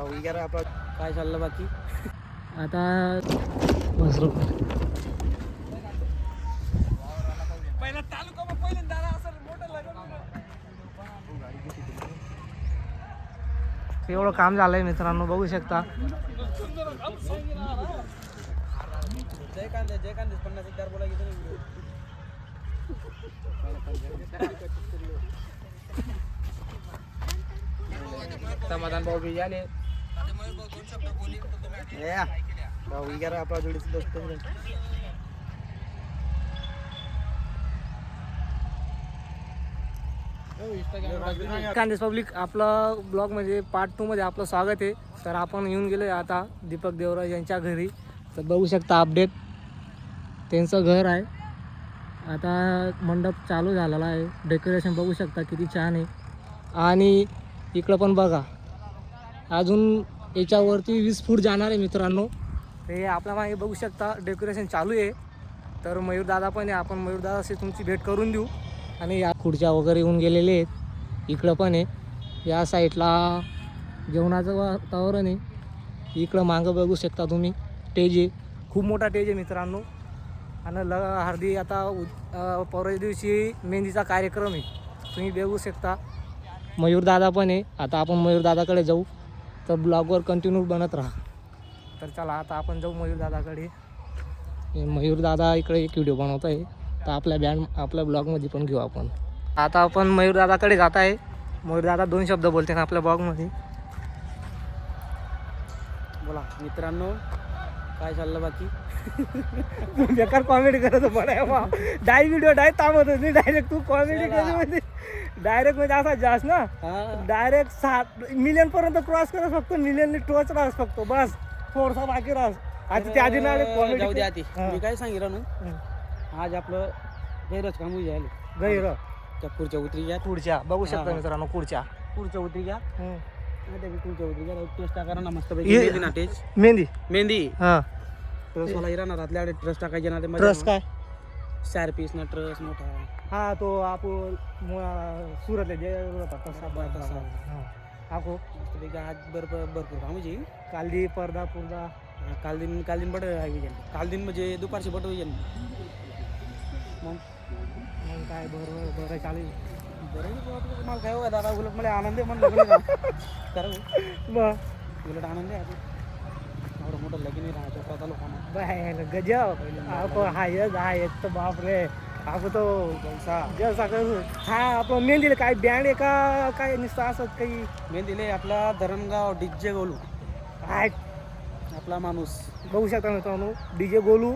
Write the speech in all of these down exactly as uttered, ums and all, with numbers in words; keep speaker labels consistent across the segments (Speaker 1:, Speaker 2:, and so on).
Speaker 1: काय चाललं बाकी
Speaker 2: आता मसरू एवढं काम झालंय मित्रांनो, बघू शकता.
Speaker 1: जय कांदे जय कांदे पन्नास हजार बोला की
Speaker 2: समाधान भाऊ बी आले.
Speaker 1: आपला जोडीच दोस्त
Speaker 2: कांदेस पब्लिक आपलं ब्लॉग म्हणजे पार्ट टू मध्ये आपलं स्वागत आहे. तर आपण येऊन गेलो आता दीपक देवराज यांच्या घरी. तर बघू शकता अपडेट, त्यांचं घर आहे. आता मंडप चालू झालेला आहे, डेकोरेशन बघू शकता किती छान आहे. आणि इकडं पण बघा, अजून याच्यावरती वीस फूट जाणार आहे मित्रांनो. हे आपल्या मागे बघू शकता डेकोरेशन चालू आहे. तर मयूरदादा पण आहे, आपण मयूरदादाशी तुमची भेट करून देऊ. आणि या खुर्च्या वगैरे येऊन गेलेले आहेत. इकडं पण आहे, या साईडला जेवणाचं वातावरण आहे. इकडं मागं बघू शकता तुम्ही स्टेज आहे, खूप मोठा स्टेज आहे मित्रांनो. आणि ल हळदी आता परवा दिवशी मेहंदीचा कार्यक्रम आहे, तुम्ही बघू शकता. मयूरदादा पण आहे, आता आपण मयूरदादाकडे जाऊ. तर ब्लॉगवर कंटिन्यू बनत राहा. तर चला आता आपण जाऊ मयूरदादाकडे. मयूरदादा इकडे एक व्हिडिओ बनवत आहे, तर आपल्या बँड आपल्या ब्लॉगमध्ये पण घेऊ आपण. आता आपण मयूरदादाकडे जात आहे. मयूरदादा दोन शब्द बोलते ना आपल्या ब्लॉगमध्ये.
Speaker 1: बोला मित्रांनो, काय चाललं बाकी
Speaker 2: बेकार कॉमेडी करत बरं बा. डाय व्हिडिओ डाय थांबत होती, डायरेक्ट तू कॉमेडी केली म्हणजे डायरेक्ट म्हणजे असा जास्त ना, डायरेक्ट सात मिलियन पर्यंत क्रॉस करत फक्त मिलियन टोच राहस फक्त बस, थोडसा बाकी राहस. आता त्या आधी ना
Speaker 1: जाऊ दे आधी मी काय सांगितलं ना, आज आपलं गैरच काम होईल जायला.
Speaker 2: गैर
Speaker 1: त्या पुढच्या उतरी घ्या,
Speaker 2: पुढच्या बघू शकता मित्रांनो, पुढच्या
Speaker 1: पुढच्या उतरी घ्या, पुढच्या उतरी घ्या. टेस्ट करा ना मस्त
Speaker 2: हे-
Speaker 1: पैकी ना. टेस्ट
Speaker 2: मेहंदी
Speaker 1: मेहंदी
Speaker 2: हां.
Speaker 1: ट्रस मला इराणात आपल्या ट्रस टाकायचे ना, ते
Speaker 2: ट्रस काय
Speaker 1: चार पीस ना ट्रस मोठा.
Speaker 2: हा तो आपण सुरतला जे तसा
Speaker 1: तसा.
Speaker 2: आखो
Speaker 1: मस्तपैकी आज भरपूर भरपूर काम म्हणजे
Speaker 2: कालदी पडदा पुरदा
Speaker 1: काल दिन काल दिन बट आहे काल दिन म्हणजे दुपारची बट होईल. मग
Speaker 2: मग काय बरं बरं चालेल.
Speaker 1: बरं मला काय हो दादा, उलट मला आनंद आहे म्हणलं कारण
Speaker 2: मग
Speaker 1: उलट आनंद आहे. एवढं मोठं लगीन नाही राहतो स्वतः लोकांना
Speaker 2: बाय गजब. आपण हायच हायच तर बाप रे. आपण तो जसा हा आपण मेहंदीला काय बँड आहे का काय नुसतं असत काही.
Speaker 1: मेहंदीले आपला धरणगाव डीजे गोलू
Speaker 2: काय
Speaker 1: आपला माणूस
Speaker 2: बघू शकता मित्रांनो. डी जे गोलू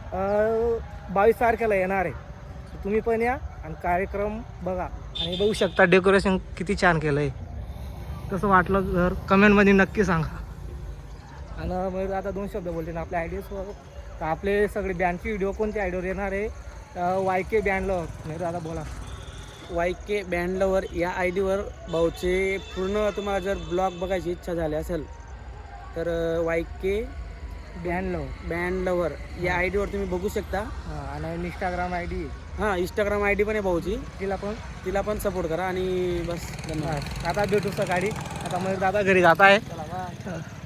Speaker 2: बावीस तारखेला येणार आहे, तुम्ही पण या आणि कार्यक्रम बघा. आणि बघू शकता डेकोरेशन किती छान केलं आहे. कसं वाटलं जर कमेंटमध्ये नक्की सांगा. आणि मग आता दोन शब्द बोलते ना आपल्या आयडियाजवर. तर आपले सगळे बँडचे व्हिडिओ कोणत्या आयडियावर येणार आहे, वाय के बँडवर नाही दादा बोला.
Speaker 1: वाय के बँडलवर या आय डीवर भाऊचे पूर्ण तुम्हाला जर ब्लॉग बघायची इच्छा झाली असेल तर वाय के
Speaker 2: बँडलवर
Speaker 1: बँडलवर या आय डीवर तुम्ही बघू शकता.
Speaker 2: हां. आणि इंस्टाग्राम आय डी
Speaker 1: हां, इंस्टाग्राम आय डी पण आहे भाऊची,
Speaker 2: तिला पण
Speaker 1: तिला पण सपोर्ट करा. आणि बस धन्यवाद.
Speaker 2: आता भेटू सकाळी. आता मग दादा घरी जात आहे.